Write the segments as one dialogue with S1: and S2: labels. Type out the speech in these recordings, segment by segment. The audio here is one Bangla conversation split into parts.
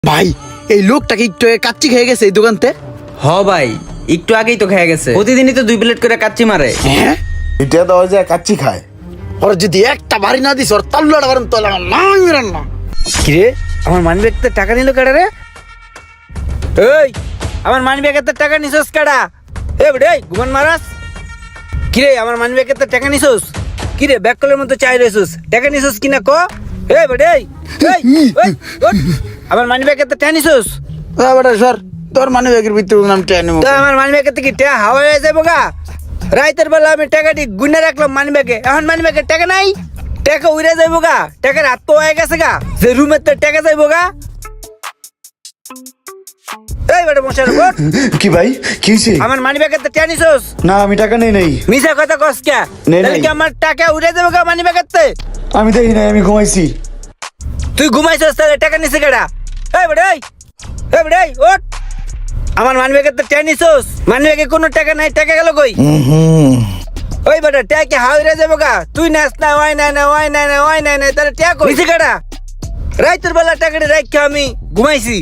S1: ভাই এই লোকটা কি একটু কাচ্চি খেয়ে গেছে এই দোকানতে?
S2: হ ভাই, একটু আগেই তো খেয়ে গেছে। প্রতিদিনই তো 2 প্লেট করে কাচ্চি মারে।
S1: হ্যাঁ,
S3: এটা দেওয়া যায় কাচ্চি খায়।
S1: ওর যদি একটা বাড়ি না দিস ওর তাল্লুটা বারেন তো না মেরান না।
S2: কিরে, আমার মানি ব্যাগতে টাকা নিল কেডা রে? এই, আমার মানি ব্যাগেতে টাকা নিছস কেডা? এ বেডে ঘুমান মারাস। কিরে, আমার মানি ব্যাগেতে টাকা নিছস? কিরে, ব্যাগ কলের মতো চাই রইছস, টাকা নিছস কিনা ক? এ বেডে এই ওঠ। আমার মানি ব্যাগেতে টাকা নিছস?
S1: বেটা সর, তোর মানে ব্যাগের ভিতরে নাম টেনে
S2: তো আমার মানি ব্যাগেতে কি টাকা হাওয়া হয়ে যাবো গা? রাইতের বেলা আমি টাকাটি গুনে রাখলাম মানি ব্যাগে, এখন মানি ব্যাগে টাকা নাই, টাকা উড়ে যাইবো গা, টাকার হাত তো হয়ে গেছে গা, যে রুমের তো টাকা যাইবো গা। এই বেটা মশার উপর
S3: কি ভাই কি হয়েছে?
S2: আমার মানি ব্যাগে তো টাকা নিছস?
S3: না আমি টাকা নেই নাই।
S2: মিছা কথা কস কে?
S3: নেই,
S2: তাহলে
S3: নেই।
S2: কি আমার টাকা উড়ে যাবো গা মানি ব্যাগেতে?
S3: আমি দেখি নাই, আমি ঘুমাইছি।
S2: তুই ঘুমাইছস তাহলে টাকা নিছে কেডা? এই বেটা এই বেটা এই ওঠ। আমার মানি ব্যাগে তো টাকা নিছস? মানি ব্যাগে কোনো টাকা নাই, টাকা গেল কই? ওই বেটা ট্যাগ কি হাওড়ে যাবো গা? তুই নাচ না, ওই নাই না, ওই নাই না, ওই নাই না, তাহলে ট্যাগ কইছি কাটা? রাইতের বেলা টাকাটা রাখকে আমি ঘুমাইছি।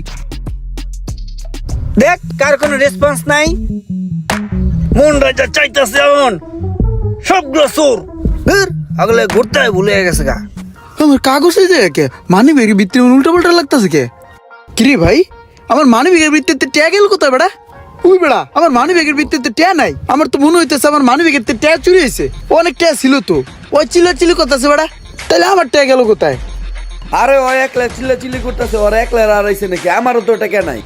S2: দেখ কার কোনো রেসপন্স নাই। মন রাজা চাইতাছে এমন সবগুলো চোর আগলে ঘুরতে হয় ভুলে গেছে গা।
S1: আমার কাগজ এই যে কে মানি ব্যাগের ভিতরে উল্টা পাল্টা লাগতেছে কে? কিরে ভাই, আমার মানি ব্যাগের ভিতরে ট্যাগ এলো কোথায় বেটা? ওই বেড়া, আমার মানি ব্যাগের ভিতরে ট্যা নাই। আমার তো মনে হইতেছে আমার মানি ব্যাগের ট্যা চুরি হয়েছে। অনেক ট্যা ছিল তো, ওই চিল্লা কথা আছে বেড়া। তাহলে আমার ট্যা গেল কোথায়?
S4: আরে ও একলা চিল্লাচিল্লি করতেছে, ওর একলা আর আইছে নাকি? আমারও তো টাকা নাই।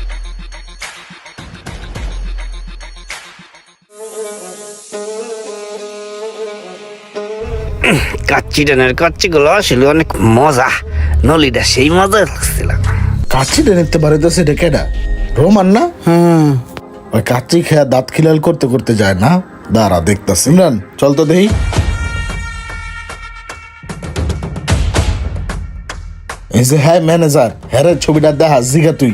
S2: কাচ্চি ডানের কাচ্চি গুলো আসলে অনেক মজা, নলিটা সেই মজা লাগছিল।
S3: কাচ্চি দেখতে পারে তো সেটা কেডা? রোমান না?
S1: হ্যাঁ,
S3: ওই কাচ্চি খেয়া দাঁত খিলাল করতে করতে যায় না। দাঁড়া দেখতাছি। ইমরান চল তো দেখি। এই যে হ্যাঁ ম্যানেজার, হ্যাঁ রে, ছবিটা দেখা জিগা তুই।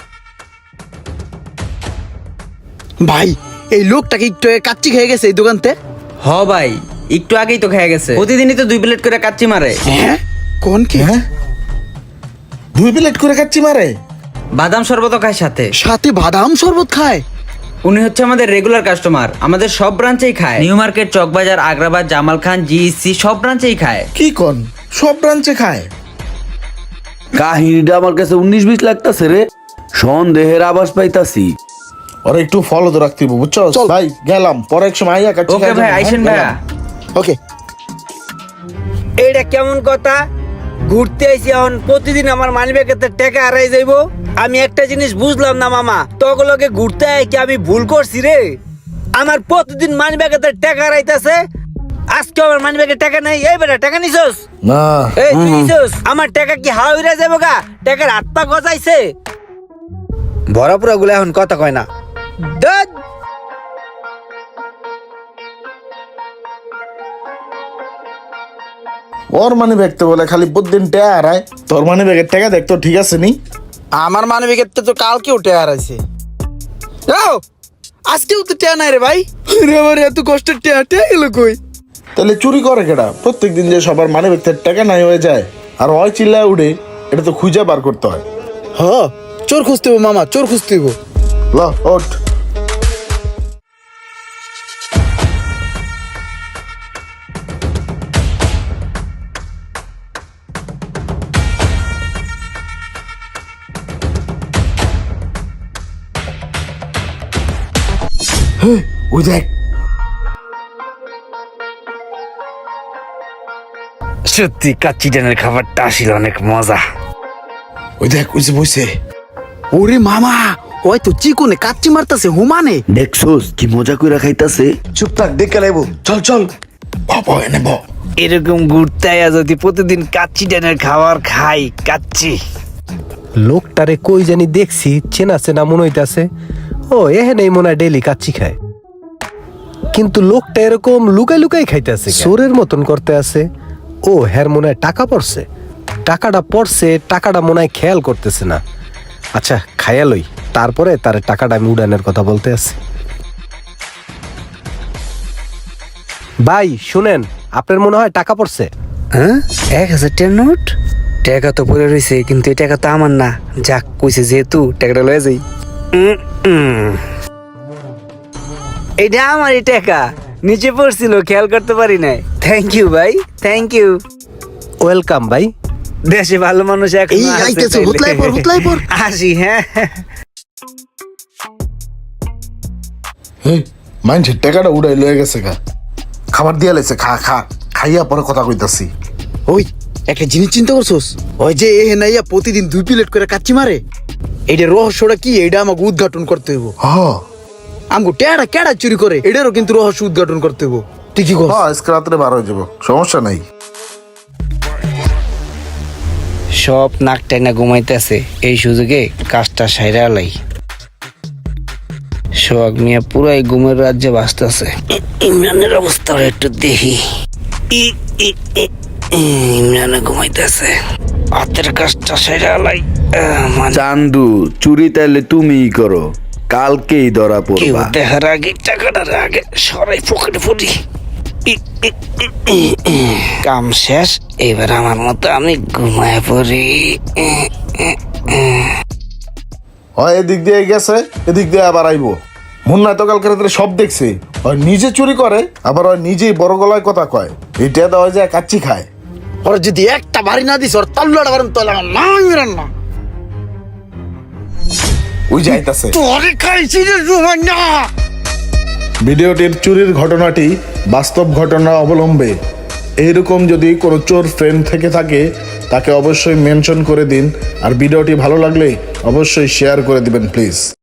S1: ভাই এই লোকটা কি একটু কাচ্চি খেয়ে গেছে এই দোকানতে?
S2: হ ভাই, একটু আগেই তো খেয়ে গেছে। প্রতিদিনই তো 2 প্লেট করে কাচ্চি মারে।
S1: হ্যাঁ, কোন কি?
S3: হ্যাঁ 2 প্লেট করে কাচ্চি মারে?
S2: বাদাম শরবত খায় সাথে।
S1: সাথে বাদাম শরবত খায়?
S2: উনি হচ্ছে আমাদের রেগুলার কাস্টমার, আমাদের সব ব্রাঞ্চেই খায়। New market, Chawkbazar, Agrabad, Jamal Khan, GEC সব ব্রাঞ্চেই খায়।
S3: কি কোন? সব ব্রাঞ্চে খায়?
S4: কাহিনীটা আমার কাছে 19-20 লাগতাছে রে, সন্দেহের আভাস পাইতাছি।
S3: ওরা একটু ফলো তো রাখতে হবে, বুঝছো?
S1: চল।
S3: ভাই গেলাম, পরে এক সময় আইয়া কাচ্চি
S2: ওকে
S3: খাই
S2: ভাই,
S3: যাবো।
S2: আইসেন
S3: হ্যাঁ,
S2: ভাইয়া।
S3: গেলাম।
S1: ওকে।
S2: এইটা কেমন কথা? ঘুরতে আইছি, এখন প্রতিদিন আমার মানি ব্যাগেতে টাকা হারাই যাইবো। আমি একটা জিনিস বুঝলাম না মামা, তগলকে ঘুরতে আই কি আমি ভুল করছি রে? আমার প্রতিদিন মানি ব্যাগেতে টাকা হারাইতাছে, আজকে আমার মানি ব্যাগে টাকা নাই। এই বেটা টাকা নিছস?
S3: না
S2: এই তুই নিছস? আমার টাকা কি হাওড়ে যাবো গা? টাকার হাত পা গজাইছে। ভরাপুরা গুলো এখন কথা কয় না। ধ্যাৎ।
S3: ওর মানে ব্যাগতে বলে খালি প্রতিদিন ট্যা হারায়। তোর মানে ব্যাগের টাকা দেখতো ঠিক আছে নি?
S1: আমার মানি ব্যাগের তো কালকে উঠে হারাইছে। যাও, আজকেও তো ট্যা নাই রে ভাই। রে আমার এত কষ্টের ট্যা গেল কই?
S3: তাহলে চুরি করে কেডা? প্রত্যেকদিন যে সবার মানে ব্যাগতে টাকা নাই হয়ে যায় আর ওই চিল্লায় উঠে, এটা তো খুঁজে বার করতে হয়।
S1: হ, চোর খুঁজতে হবো মামা, চোর খুঁজতে হবো।
S3: ল ওঠ। হেই, ওই দেখ।
S2: সত্যি কাচ্চি ডানের খাবারটা আসলে অনেক মজা।
S3: ওই দেখ, ওই যে বসে।
S1: ওরে মামা, ওই তো চিকনে কাচ্চি মারতাছে হুমানে।
S4: দেখছোস কি মজা কইরা খাইতাছে?
S3: চুপ থাক, দেখে লাইব। চল চল, বাবা এনে ব।
S2: এরকম ঘুরতে আয়া যদি প্রতিদিন কাচ্চি ডানের খাবার খাই, কাচ্চি।
S5: লোকটারে কই জানি দেখছি, চেনা চেনা মনে হইতাছে। ও এহেনেই মনে হয় ডেইলি কাচ্চি খায়, কিন্তু লোকটা এরকম লুকাই লুকাই খাইতেছে, চোরের মতন করতে আছে। ও হ্যার মনে হয় টাকা পড়ছে, টাকাটা মনে হয় খেয়াল করতেছে না। আচ্ছা খাইয়া লই, তারপরে তার টাকাটা আমি উড়ানের কথা বলতে আছি। ভাই শুনেন, আপনার মনে হয় টাকা পড়ছে?
S2: হ্যাঁ, 1000 টাকার নোট? টাকা তো পড়ে রয়েছে, কিন্তু এই টাকা তো আমার না। যাক, কইছে যেহেতু টাকাটা লয়ে যাই। এটা আমারই টাকা, নিচে পড়ছিল, খেয়াল করতে পারি নাই। থ্যাংক ইউ ভাই, থ্যাংক ইউ।
S5: ওয়েলকাম ভাই।
S2: দেশে ভালো মানুষ এখন
S1: এই আইতেছে, হুতলাই পর।
S2: আসি, হ্যাঁ।
S3: এই মানুষের টাকাটা উড়াই লয়ে গেছে গা, খাবার দিয়া লাইছে, খা খা, খাইয়া পরে কথা কইতাছি।
S1: ওই একটা জিনিস চিন্তা করছোস? ওই যে এ নাইয়া প্রতিদিন 2 প্লেট করে কাচ্চি মারে, এইটা রহস্যটা কি এইটা আমাকে উদ্ঘাটন করতে হইব। আমগো টেড়া কেডা চুরি করে এটারও কিন্তু রহস্য উদ্ঘাটন করতে হইব। তুই কি কর?
S3: আজকে রাত্রে বার হয়ে যাবো, সমস্যা নাই।
S2: সব নাক টাইনা ঘুমাইতেছে, এই সুযোগে কাজটা সাইরা লাই। সোহাগ মিয়া পুরাই ঘুমের রাজ্যে বাঁচতেছে। ইমরানের অবস্থা একটু দেখি। ইমরানে ঘুমাইতেছে, হাতের কাজটা সাইরা লাই।
S4: চান্দু, চুরি তাইলে তুমিই করো, কালকেই ধরা
S2: কেউ
S4: পড়বা।
S2: দেখার আগে টাকাটার আগে সরাই পকেটে পড়ি। কাম শেষ, এবার আমার মতো আমি ঘুমায় পড়ি।
S3: হয় এদিক দিয়ে গেছে, এদিক দিয়ে আবার আইবো। মুন্না তো কালকে রাত্রে সব দেখছে, হয় নিজে চুরি করে, আবার হয় নিজেই বড় গলায় কথা কয়। এটা দেওয়া যায় কাচ্চি খায়।
S1: ওরা যদি একটা বাড়ি না দিস ওর তাল্লাটা বারণ তোলা না ইমরান না।
S3: ওই যাইতাছে।
S1: তোরে খাইছি রে রুমান না।
S3: ভিডিওটির চুরির ঘটনাটি বাস্তব ঘটনা অবলম্বে। এইরকম যদি কোনো চোর ফ্রেন্ড থেকে থাকে তাকে অবশ্যই মেনশন করে দিন, আর ভিডিওটি ভালো লাগলে অবশ্যই শেয়ার করে দিবেন প্লিজ।